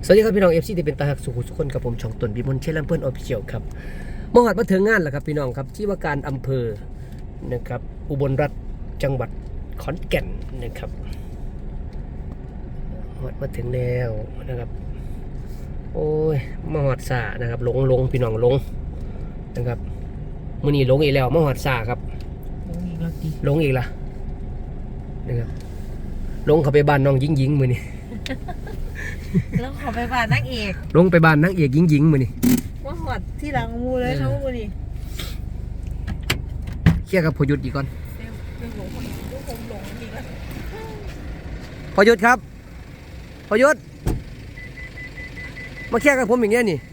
สวัสดีครับพี่น้อง FC ที่เป็นตาหักสุขุสุขคนกับผมช่องตนบิมลเชลัมเปิ้ลออฟฟิเชียลครับมหอดมาถึงงานแล้วครับพี่น้องครับที่ว่าการอำเภอนะครับอุบลรัฐจังหวัดขอนแก่นนะครับมหอดมาถึงแล้วนะครับโอ้ยมหอดสานะครับหลงพี่น้องหลงนะครับมื้อนี้หลงอีกแล้วมหอดสาครับหลงอีกละนะครับหลงเข้าไปบ้านน้องหญิงมื้อนี้แล้วขอไปบ้านนักเอกลงไปบ้านนางเอกหญิงมื้อนี้ว่าหอดที่หลังมูเลยเขามูนี่เคลียร์กับพอยุทธอีกก่อนผมหลงอีกแล้วพอยุทธครับพอยุทธมาเคลียร์กับผมอย่างเงี้ยนี่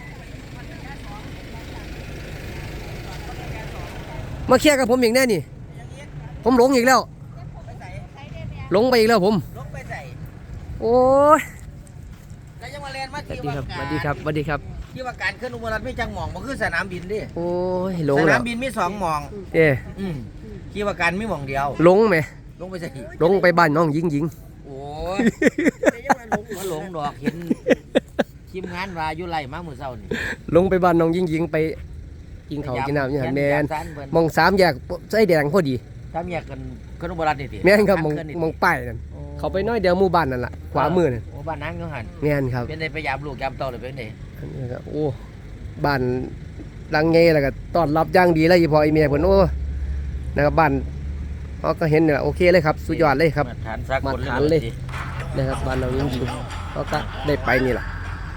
มาเคลียร์กับผมอย่างเงี้ยนี่ผมหลงอีกแล้วหลงไปอีกแล้วผมลงไปใส่โอ้ยแล้วยังมาเรียนมาสวัสที่ดีครับสวัสดีครับสวัสดีครับที่ว่าการขึ้นอุบลรัฐไม่จังหมองมันคือสนามบินดิโอ้ยหลงสแล้นาว มบินมีสองหมองที่ว่าการมีหมองเดียวหลงไหมลงไปใส่หลงไปบ้านน้องหญิงโอ้ยว่าหลงดอกเห็นทีมงานว่าอยู่ไรมาเมื่อเช้านี่หลงไปบ้านน้องหญิงไปกินข้าวกินน้ำอย่างแมนมองสามแยกไส้แดงพอดีสามแยกกันขึ้นอุบลรัฐนี่ติแมนครับมองป้ายนั่นเขาไปน้อยเดียวหมู่บ้านนั่นแหละขวามือนั่นโอ้บ้านนั้นก็หันแมนครับเป็นในพยายามลูกยามโตเลยเป็นไงโอ้บ้านดังเงแล้วก็ต้อนรับอย่างดีเลยพอไอเมียเพิ่นโอ้นะครับบ้านเขาก็เห็นเนี่ยโอเคเลยครับสุดยอดเลยครับมาฐานเลยนะครับบ้านเราจริงๆเขาก็ได้ไปนี่แหละ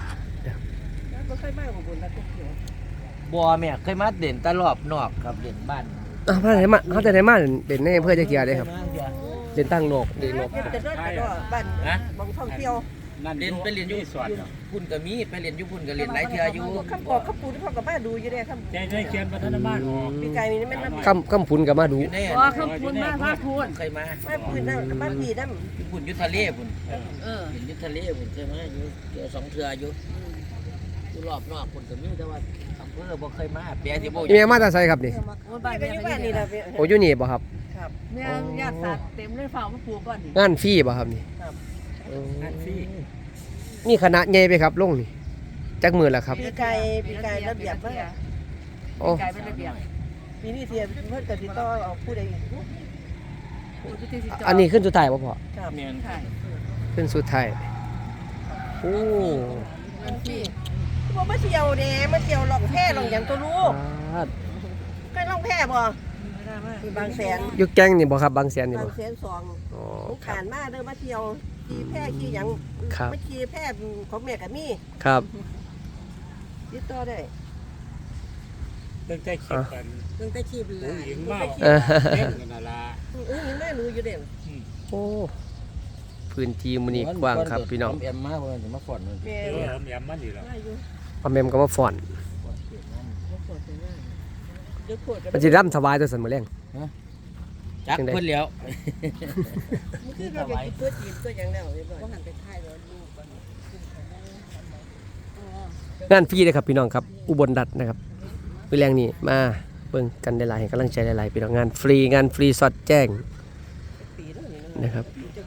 บัวแม่เคยมาเด่นตลอดนอกครับเด่นบ้านเขาจะได้มาเด่นในอำเภอจะเกียร์เลยครับเด่นตั้งนกเด่นนกแต่ด้วยบ้านบางท่องเที่ยวเรียนไปเรียนอยู่พุ่นก็มีไปเรียนอยู่พุ่นก็เรียนหลายเทื่ออยู่ข้ามกอกข้ามปูที่พ่อกับแม่ดูอยู่เนี่ยข้ามใจเขียนพัฒนาบ้านปีไก่มีไม่นำข้ามพุนกับมาดูข้ามปูนมาพูนเคยมาปูนนั่นบ้านปีนั่นพุ่นยุทธเลพุ่นเห็นยุทธเลพุ่นใช่ไหมอยู่เดี๋ยวสองเทื่ออยู่รอบนอกพุ่นก็มีแต่ว่าอำเภอบ่เคยมาเปียที่บ่เมียมาแต่ไสครับนี่บ้านนี่แหละโอ้ยนี่บ่ครับครับเนี่ยญาติสัตว์เต็มเลยฝ่ามาปลูกก่อนงานฟรีบ่ครับนี่งานฟรีนี่คณะใหญ่ไปครับลงนี่จักมือแล้วครับปีไก่ระเบียบมากโอ้ไก่เป็นระเบียบปีนี้เทียบเพื่อนกับติดต่อเอาผู้ใดอันนี้ขึ้นสุดท้ายบ่พอครับขึ้นสุดท้ายโอ้ว่ามาเที่ยวเด้มาเที่ยวล่องแพล่องอย่างตัวลูกเคยล่องแพบ่บางแสนอยู่แก๊งนี่บ่ครับบางแสนนี่บ่บางแสน2ผมผ่านมาเด้อมาเที่ยวขี่แพขี่หยังมาขี่แพของแม่กับมี่ครับติดต่อได้ตั้งใจขีดกันตั้งแต่ขีดเลยหญิงมากเล่นกันอะไรหญิงแม่รู้อยู่เด่นโอ้พื้นที่มื้อนี้กว้างครับพี่น้องแอมมาเพิ่นสิมาฟ้อนเพิ่นแอมมันนี่ล่ะพ่อแม่ก็มาฟ้อนมันสิร่ำถวายตัวสันมื้อแรงจักเพิ่นแล้วมันคือเราไปตัวจีบตัวหยังแล้วบ่หันไปท้ายแล้วลูกงานฟรีเลยครับพี่น้องครับอุบลรัฐนะครับมื้อแรงนี้มาเบิ่งกันหลายๆให้กำลังใจหลายๆพี่น้องงานฟรีสอดแจ้งนะครับ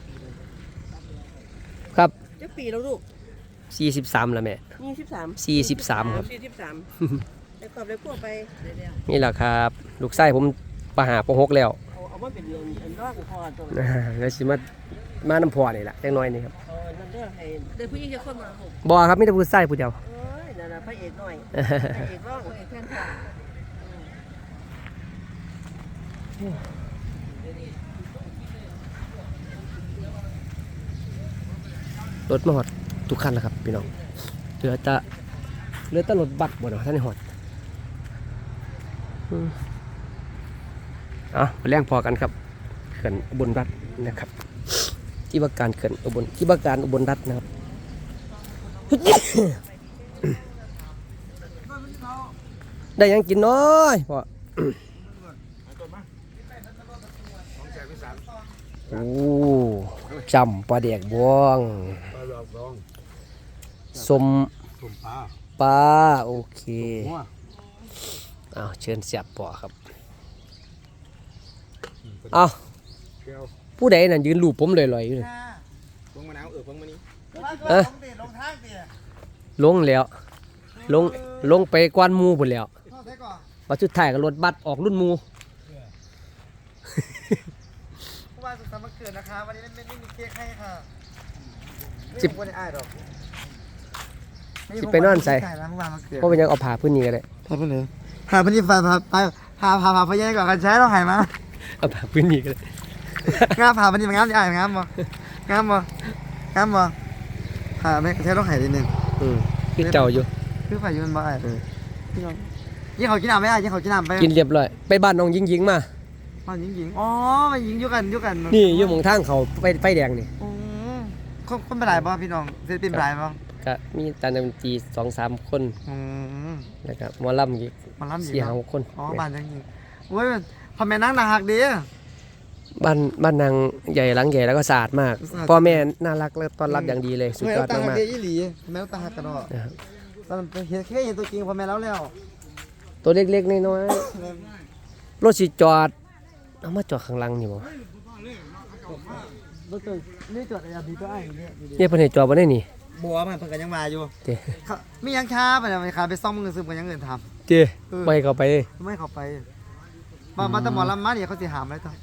ครับจักปีแล้วลูก 43แล้วแม่43ครับแล้วก็ไปพวกไปนี่แหละครับลูกชายผมปหาป.6แล้วเอามาเป็นเรื่องรอดพอตรงแล้วสิมาน้ำพอนี่แหละจังน้อยนี่ครับนั่นเด้อให้เด้อผู้หญิงจะคนมาบ่ครับมีแต่ผู้ชายผู้เดียวนั่นน่ะพระเอกน้อยพระเอกร้องพระเอกแทนรถมาหอดทุกคันแล้วครับพี่น้องเหลือแต่รถบัสบ่เนาะท่านหอดไปแรงพอกันครับเขื่อนอุบลรัฐนะครับที่ว่าการเขื่อนอุบลที่ว่าการอุบลรัฐนะครับได้ยังกินน้อยพอโอ้จำปลาแดกบ้องสมปลาโอเคเชิญเสียบปอครับผู้ใดนั่นยืนรูปผมลอยๆอยู่เลยพวงมะนาวพวงมะนี้เออลงแล้วลงไปกวนหมูพุ่นแล้วบัดสุดท้ายก็รถบัสออกรุ่นหมูว่าสุดสัปดาห์เกิดนะคะวันนี้ไม่มีเค้กให้ค่ะสิบไม่ได้อ้ายดอกสิไปนอนใส่ใช่แล้วเมื่อวานมันเกิดเพราะเป็นยังเอาผ้าพื้นนี้ก็ได้พาไปเลยพาไปนี่พาพญาก่อนกันใช้เราหายมาเอาผ้าพื้นนี้ก็ได้งามพาไปนี่มันงามดิอ้ายงามบ่งามบ่งามบ่พาไม่ใช้เราหายนิดนึงคือเจ้าอยู่คือฝ่ายยืนบ่อ้ายพี่น้องยิ่งเขากินน้ำไหมอ้ายยิ่งเขากินน้ำไปกินเรียบร้อยไปบ้านน้องยิงมาอ๋อหญิงอ๋อมาหญิงอยู่กันนี่อยู่หมองทางเขาไฟแดงนี่อืมคนเป็นหลายบ่พี่น้องศิลปินเป็นหลายบ่ก็มีตาดนตรี2-3 คนอืมแล้วก็หมอลำอีกมันล้ำหญิง 4-5 คนอ๋อบ้านจังหญิงโอ้ยพ่อแม่นั่งน่าฮักดีบ้านนางใหญ่หลังใหญ่แล้วก็สะอาดมากสะอาดพ่อแม่น่ารักและต้อนรับอย่างดีเลยสุดยอดแม่มากตาฮักดีอีหลีแม่ตาฮักกันเนาะๆนะครับตอนเห็นแค่เห็นตัวจริงพ่อแม่แล้วตัวเล็กๆน้อยๆรถสิจอดเอามาจอดข้างหลังนี่บ่รถตัวนี่จอดอะไรดีตัวไอ้เนี่ยเนี่ยเพิ่นให้จอดบ่ได้นี่บัวมันเพิ่นกันยังมาอยู่เด้มียังช้าไปเนี่ยขาไปซ่อมมือซึมกันยังเงินทเด้ไปเข้าไปำไม่เข้าไปมาแต่หมอลำมาเนี่ยเขาสิหามอะไรต่อ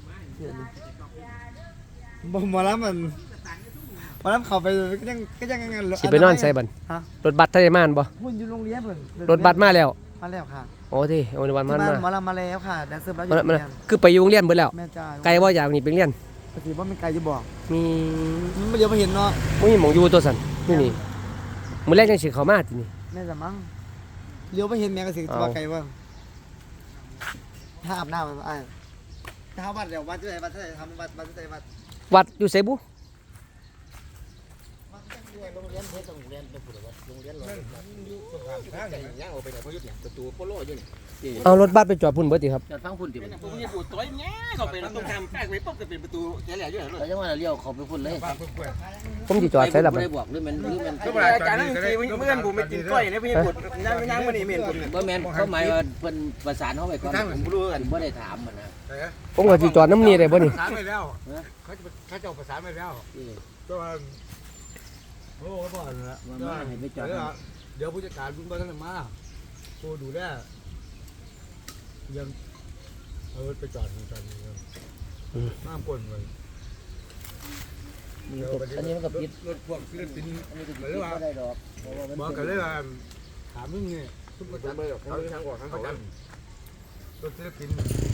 หมอลำมันหมอลำเข้าไปก็ยังสิไปนอนใส่บัดฮะรถบัสทะเลม่านบ่หุ่นอยู่โรงเรียนเพิ่นรถบัสมาแล้วมาแล้วค่ะโอ้ที่โอ้ในวันมันที่มาบ้านหมอลำมาแล้วค่ะแดนเซอร์แล้วอยู่มันโรงเรียนคือไปอยู่โรงเรียนเบิดแล้วแม่จ้าไกลบ่อยากนี่ไปเรียนปกติว่ามันไกลอยู่บอกมีมันเดี๋ยวมาเห็นเนาะบ่มีหม่องอยู่ตัวสั่นนี่มื้อแรกจังสิเข้ามาตินี่แม่จะมั้งเลี้ยวไปเห็นแม่ก็สิว่าไกลว่าถ้าอาบน้ำมันไอ้ถ้าวัดเดี๋ยววัดที่ไหนวัดที่ไหนทำวัดที่ไหนวัดวัดอยู่ไสบุโรงเรียนเพชรโรงเรียนเป็นผู้ว่าโรงเรียนเราย่างออกไปไหนเพราะยุทธเนี่ยประตูโปโลอยู่นี่เอารถบัสไปจอดพุ่นเบิดติครับจอดฟังพุ่นดิผมมีปูต้อยแง่เข้าไปแล้วต้องทำแป้งไว้ปุ๊บจะเป็นประตูแง่แหล่อยู่ไหนเลยเราจะว่าเลี้ยวเขาไปพุ่นเลยผมสิจอดใส่ละบัดได้บอกหรือมันอาจารย์นั่งทีเมื่อนผมไปกินก้อยเนี่ยพี่ปุดนั่งมานี่เมียนผมเนี่ยบ่แม่นเขาหมายว่าเพิ่นประสานเขาไปก่อนผมรู้กันบ่ได้ถามมันนะผมก็สิจอดน้ำนี่ได้บ่นี่ประสานไปแล้วเขาจะประสานไปแล้วก็โอ้ก็บอกแล้วว่ามาให้ไปจอดเดี๋ยวผู้จัดการคุณบ้านมาผู้ดูแลยังเอาไปจอดกันน้ำก้นเลยอันนี้มันก็ปิดรถพวกศิลปินอันนี้ก็ปิดบ่ได้ดอกเพราะว่ามันบอกกันเลยว่าถามมึงเนี่ยทุกประจำเขาทางออกทางประจำรถศิลปิน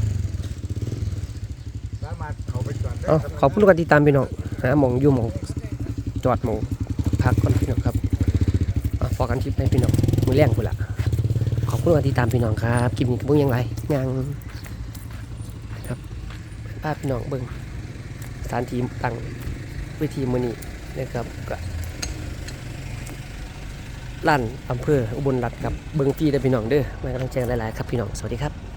สามารถเขาไปจอดได้เอาขอบคุณทุกคนที่ตามพี่น้องหาหม่องอยู่หม่องจอดหม่องพักก่อนพี่น้องครับพอกันคลิปให้พี่น้องมื้อแรงพุ่นล่ะขอบคุณทุกคนที่ตามพี่น้องครับคลิปนี้ก็บ่ยังไรยังครับพาพี่น้องเบิ่งสถานที่ตั้งเวทีมื้อนี้นะครับก็ลั่นอำเภออุบลรัตน์ครับเบิ่งฟรีเด้อพี่น้องเด้อมากำลังแจ้งหลายๆครับพี่น้องสวัสดีครับ